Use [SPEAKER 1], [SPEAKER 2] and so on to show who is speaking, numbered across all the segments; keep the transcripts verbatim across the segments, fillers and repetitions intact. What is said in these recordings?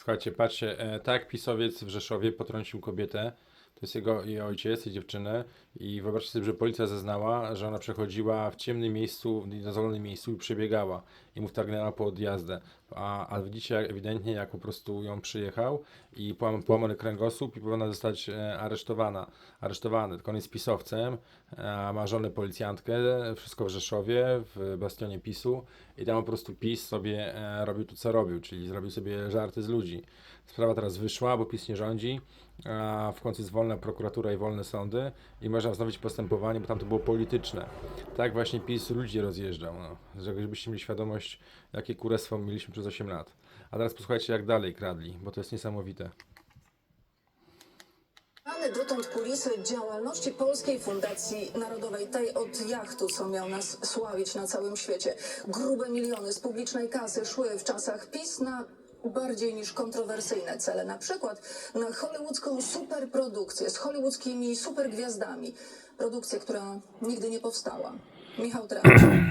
[SPEAKER 1] Słuchajcie, patrzcie, e, tak PiSowiec w Rzeszowie potrącił kobietę, to jest jego jej ojciec, jej dziewczynę i wyobraźcie sobie, że policja zeznała, że ona przechodziła w ciemnym miejscu, w niedozwolonym miejscu i przebiegała i mu wtargnęła po odjazdę. A, a widzicie jak, ewidentnie jak po prostu ją przyjechał i połam, połamany kręgosłup i powinna zostać e, aresztowana. Aresztowany, tylko on jest pisowcem, e, ma żonę policjantkę, wszystko w Rzeszowie, w bastionie PiSu i tam po prostu PiS sobie e, robił to co robił, czyli zrobił sobie żarty z ludzi. Sprawa teraz wyszła, bo PiS nie rządzi, a w końcu jest wolna prokuratura i wolne sądy i można wznowić postępowanie, bo tam to było polityczne. Tak właśnie PiS ludzi rozjeżdżał, no. Żebyście mieli świadomość, jakie kurestwo mieliśmy przez osiem lat. A teraz posłuchajcie, jak dalej kradli, bo to jest niesamowite.
[SPEAKER 2] Znane dotąd kulisy działalności Polskiej Fundacji Narodowej, tej od jachtu, co miał nas sławić na całym świecie. Grube miliony z publicznej kasy szły w czasach PiS na bardziej niż kontrowersyjne cele, na przykład na hollywoodzką superprodukcję z hollywoodzkimi supergwiazdami. Produkcję, która nigdy nie powstała. Michał Tracz.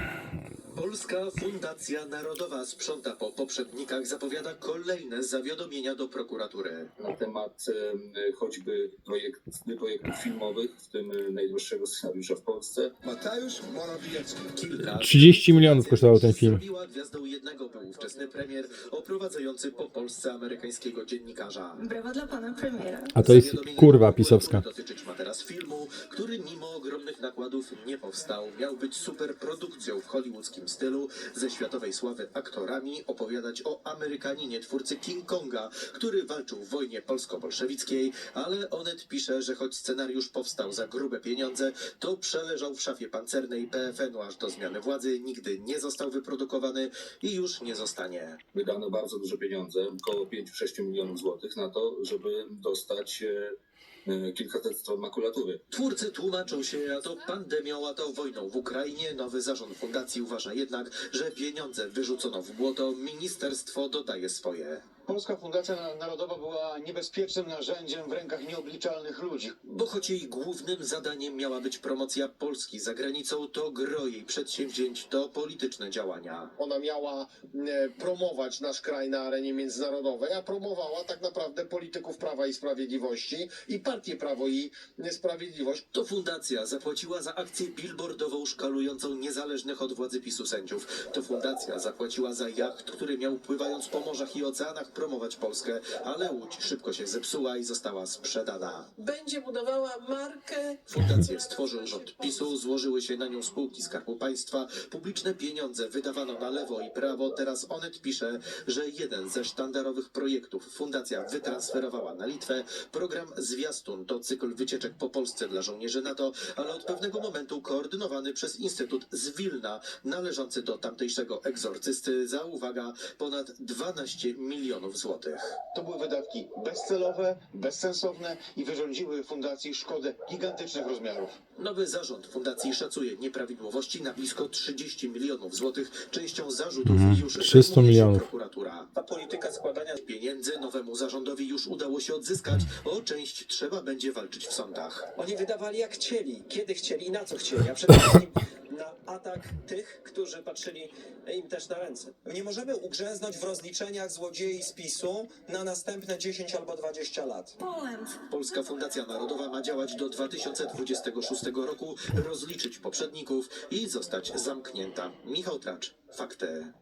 [SPEAKER 3] Polska Fundacja Narodowa sprząta po poprzednikach, zapowiada kolejne zawiadomienia do prokuratury.
[SPEAKER 4] Na temat e, choćby projekt, projektów filmowych, w tym e, najdłuższego scenariusza w Polsce.
[SPEAKER 5] Mateusz Morawiecki.
[SPEAKER 3] Kilka
[SPEAKER 1] trzydzieści milionów kosztował ten film.
[SPEAKER 3] Zrobiła gwiazdą jednego był ówczesny premier oprowadzający po Polsce amerykańskiego dziennikarza.
[SPEAKER 6] Brawa dla pana premiera.
[SPEAKER 1] A to jest
[SPEAKER 3] Zawiadomienie
[SPEAKER 1] kurwa
[SPEAKER 3] prokuratury
[SPEAKER 1] pisowska.
[SPEAKER 3] Dotyczyć ma teraz filmu, który mimo ogromnych nakładów nie powstał. Miał być superprodukcją w hollywoodzkim stylu, ze światowej sławy aktorami, opowiadać o Amerykaninie twórcy King Konga, który walczył w wojnie polsko-bolszewickiej, ale Onet pisze, że choć scenariusz powstał za grube pieniądze, to przeleżał w szafie pancernej P F N u aż do zmiany władzy, nigdy nie został wyprodukowany i już nie zostanie.
[SPEAKER 4] Wydano bardzo duże pieniądze, około pięć do sześciu milionów złotych na to, żeby dostać e, e, kilkaset stron makulatury.
[SPEAKER 3] Twórcy tłumaczą się a to pandemią, a to wojną w Ukrainie. Nowy zarząd fundacji uważa jednak, że pieniądze wyrzucono w błoto. Ministerstwo dodaje swoje.
[SPEAKER 7] Polska Fundacja Narodowa była niebezpiecznym narzędziem w rękach nieobliczalnych ludzi.
[SPEAKER 3] Bo choć jej głównym zadaniem miała być promocja Polski za granicą, to gro jej przedsięwzięć to polityczne działania.
[SPEAKER 8] Ona miała e, promować nasz kraj na arenie międzynarodowej, a promowała tak naprawdę polityków Prawa i Sprawiedliwości i partię Prawo i Sprawiedliwość.
[SPEAKER 3] To fundacja zapłaciła za akcję billboardową szkalującą niezależnych od władzy PiSu sędziów. To fundacja zapłaciła za jacht, który miał pływając po morzach i oceanach promować Polskę, ale łódź szybko się zepsuła i została sprzedana.
[SPEAKER 6] Będzie budowała markę.
[SPEAKER 3] Fundację stworzył rząd PiSu, złożyły się na nią spółki Skarbu Państwa, publiczne pieniądze wydawano na lewo i prawo. Teraz Onet pisze, że jeden ze sztandarowych projektów fundacja wytransferowała na Litwę. Program Zwiastun to cykl wycieczek po Polsce dla żołnierzy NATO, ale od pewnego momentu koordynowany przez Instytut z Wilna, należący do tamtejszego egzorcysty za, uwaga, ponad dwanaście milionów złotych.
[SPEAKER 7] To były wydatki bezcelowe, bezsensowne i wyrządziły fundacji szkodę gigantycznych rozmiarów.
[SPEAKER 3] Nowy zarząd fundacji szacuje nieprawidłowości na blisko trzydzieści milionów złotych. Częścią zarzutów
[SPEAKER 1] Mhm,
[SPEAKER 3] już
[SPEAKER 1] trzysta
[SPEAKER 3] zajmuje się
[SPEAKER 1] milionów.
[SPEAKER 3] prokuratura. A polityka składania pieniędzy nowemu zarządowi już udało się odzyskać. O część trzeba będzie walczyć w sądach.
[SPEAKER 9] Oni wydawali jak chcieli, kiedy chcieli i na co chcieli, a przede wszystkim na atak tych, którzy patrzyli im też na ręce. Nie możemy ugrzęznąć w rozliczeniach złodziei z PiSu na następne dziesięć albo dwadzieścia lat.
[SPEAKER 3] Polska Fundacja Narodowa ma działać do dwa tysiące dwudziestego szóstego roku, rozliczyć poprzedników i zostać zamknięta. Michał Tracz, Fakty.